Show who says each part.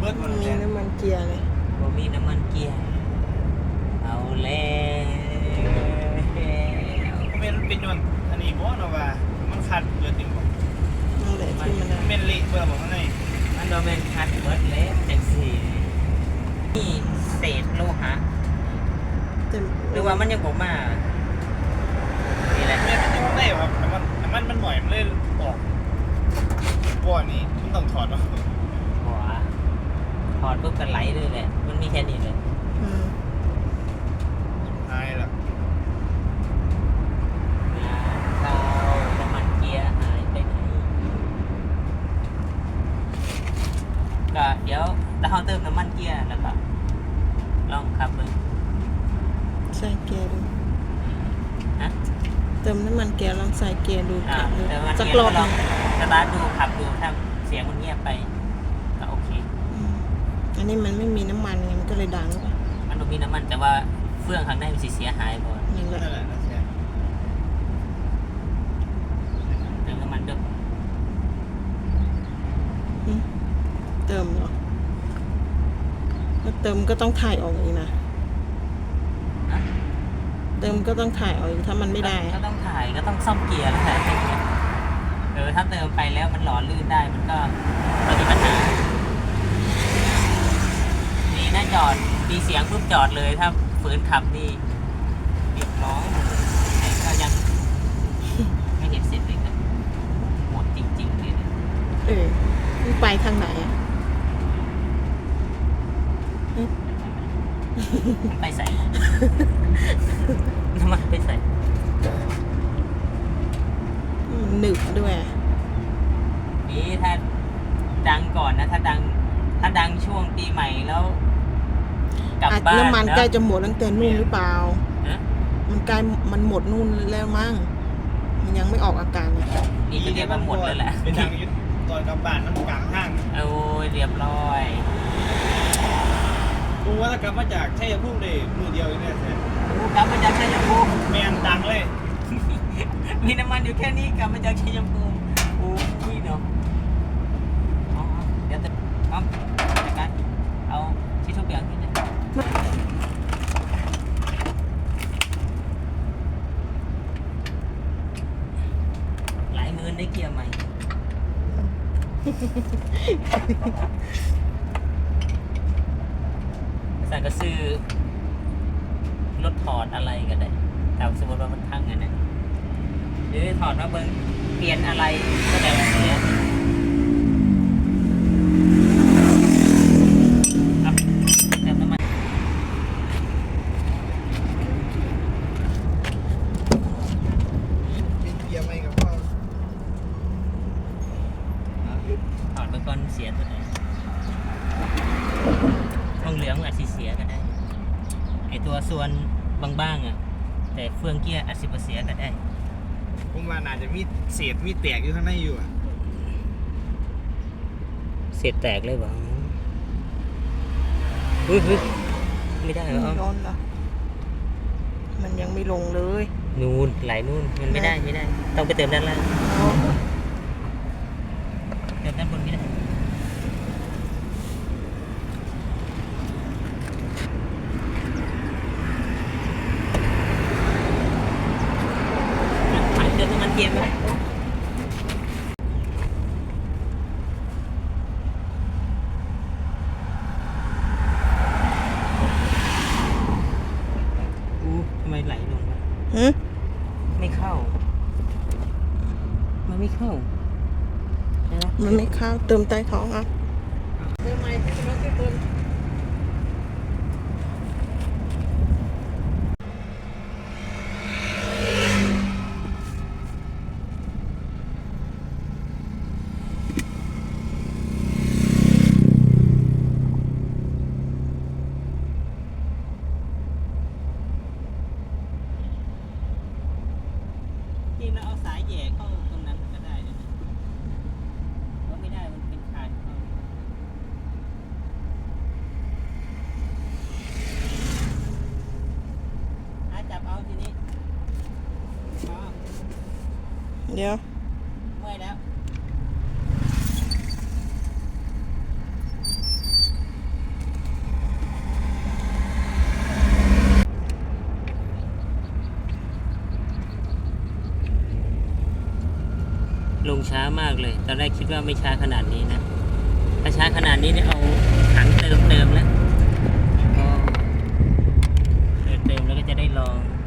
Speaker 1: เบิร์ดมัน
Speaker 2: มีน้ำมันเกียร์เลย
Speaker 3: บ่มีน้ำมันเกียร์เอาแล้ว
Speaker 1: เป็นยนต์อันนี้บ่เนาะว่ามันขาดเบิร์ดจริงบ่
Speaker 2: นั่นแหละที่มัน
Speaker 1: เป็นเละเบิร์ดบ่ข้างใน
Speaker 3: มันโดนเป็นคัดเบิร์ดเล็กจังสี่นี่เศษโลหะ
Speaker 2: เต็ม
Speaker 3: หรือว่ามันยังบ่มานี่แหละ
Speaker 1: เนี่ยมันยังได้ครับน้ำมันมันหน่อยมันเลยออกบ่อนี้มันต้องถอดเนาะ
Speaker 3: หัวถอดปุ๊บก็ไหลเลยแหละมันมีแค่นี้เลย
Speaker 2: อืม
Speaker 1: หายละ
Speaker 3: เราน้ำมันเกียร์หายไปไหนก็เดี๋ยวเราเติมน้ำมันเกียร์แล้วก็ลองขับเลย
Speaker 2: ใส่เกียร์ดู
Speaker 3: ฮะ
Speaker 2: เติมน้ำมันเกียร์ลองใส่เกียร์ดู
Speaker 3: อ่า
Speaker 2: ขับดู
Speaker 3: เติมน้ำมัน
Speaker 2: สัก
Speaker 3: เกียร์
Speaker 2: รอบ
Speaker 3: ล
Speaker 2: ห
Speaker 3: อ
Speaker 2: นึ่
Speaker 3: ง
Speaker 2: ง
Speaker 3: สตาร์ทดูขับดูถ้าเสียงมันเงียบไปก็โอเค
Speaker 2: อืมอันนี้มันไม่มีน้ำมันไงมันก็เลยดังไป
Speaker 3: มันต้องมีน้ำมันแต่ว่าเฟื่องข้างในมันสิเสียหายบ่
Speaker 2: นั่นแหละ
Speaker 1: นั่นแหละนะแซ่
Speaker 3: เติมน้ำมันด้วย
Speaker 2: อืมเติมเหรอแล้วเติมก็ต้องถ่ายออกอีกนะ
Speaker 3: นะ
Speaker 2: เติมก็ต้องถ่ายออกอีกถ้ามันไม่ได้
Speaker 3: ก็ต้องถ่ายก็ต้องซ่อมเกียร์แล้วแหละถ้าเติมไปแล้วมันหล่อลื่นได้มันก็มีปัญหานี่น่าจอดมีเสียงปุ๊บจอดเลยถ้าฝืนขับนี่เรียบร้อยแต่ก็ยังไม่เห็นเสร็จเลยนะหมดจริงๆเลยนะ
Speaker 2: เออมันไปทางไหนอะ
Speaker 3: มันไปใส่ น้ำมันไปใส่
Speaker 2: มันหนึบด้วย
Speaker 3: นี่ถ้าดังก่อนนะถ้าดังช่วงปีใหม่แล้วกลับ
Speaker 2: อาจ
Speaker 3: บ้าน
Speaker 2: น้ำมัน
Speaker 3: นะ
Speaker 2: ใกล้จะหมดตั้งแต่นู่นหรือเปล่า
Speaker 3: ฮะ
Speaker 2: มันใกล้มันหมดนู่นแล้วมั้งมันยังไม่ออกอาการเลย
Speaker 3: นี่ก็เรียกว่าหมดเลยแหละ
Speaker 1: เป็นทางยึดตอนกลับบ้านน้ำกลางห้าง
Speaker 3: โอ้ยเรียบร้อย
Speaker 1: กูว่าถ้ากลับมาจากชัยภูมิได้มือเดียวเองเนี่ยแซ่
Speaker 3: กลับมาจากชัยภูมิ
Speaker 1: แมนดังเลย
Speaker 3: มีน้ำมันอยู่แค่นี้กลับมาจากชัยภูมิโอ้ยเนาะเอาเดี๋ยวจะเอาจัดการเอาที่ทุกอย่างที่นี่หลายหมื่นได้เกียร์ใหม่ สั่งก็ซื้อรถถอดอะไรก็ได้แต่สมมติว่ามันพังอันนั้นหรือถอดมาเบิ้งเปลี่ยนอะไรก็ได้แบบนี้ครับเติมน้ำมัน
Speaker 1: มีเกียร์ไหมกับพ่อ
Speaker 3: ถอดไปก่อนเสียตัวไหนทองเหลืองอาจจะเสียก็ได้ไอตัวส่วนบางๆอ่ะแต่เฟืองเกียร์อาจจะเสียก็ได้
Speaker 1: ผมว่าน่าจะมีเศษมีแตกอยู่ข้างในอยู่อ่ะ
Speaker 3: เสียแตกเลยบ่เฮ้ยไม่ได้เหรอ
Speaker 2: ร้อนเหรอมันยังไม่ลงเลย
Speaker 3: นู่นไหลนู่นมันไม่ได้ต้องไปเติมด้านล่างเติมด้านบนไม่ได้ผ่านเติมน้ำมันเกียร์ไปทำไมไหลลงวะ
Speaker 2: หืม
Speaker 3: ไม่เข้า มันไม่เข้าใช่ไหม
Speaker 2: มันไม่เข้าเติมใต้ท้องอ่ะเติมใหม่ที่เราเติม
Speaker 3: จริงแล้วเอาสายแหย่เข้าตรงนั้นก็ได้นะก็ไม่ได้มันเป็นคานเข้าจับเอาทีนี้อ๋อ
Speaker 2: เดี๋ยว
Speaker 3: เมื่อยแล้วลงช้ามากเลย ตอนแรกคิดว่าไม่ช้าขนาดนี้นะ ถ้าช้าขนาดนี้เนี่ยเอาถังเติมแล้วก็เติมแล้วก็จะได้ลอง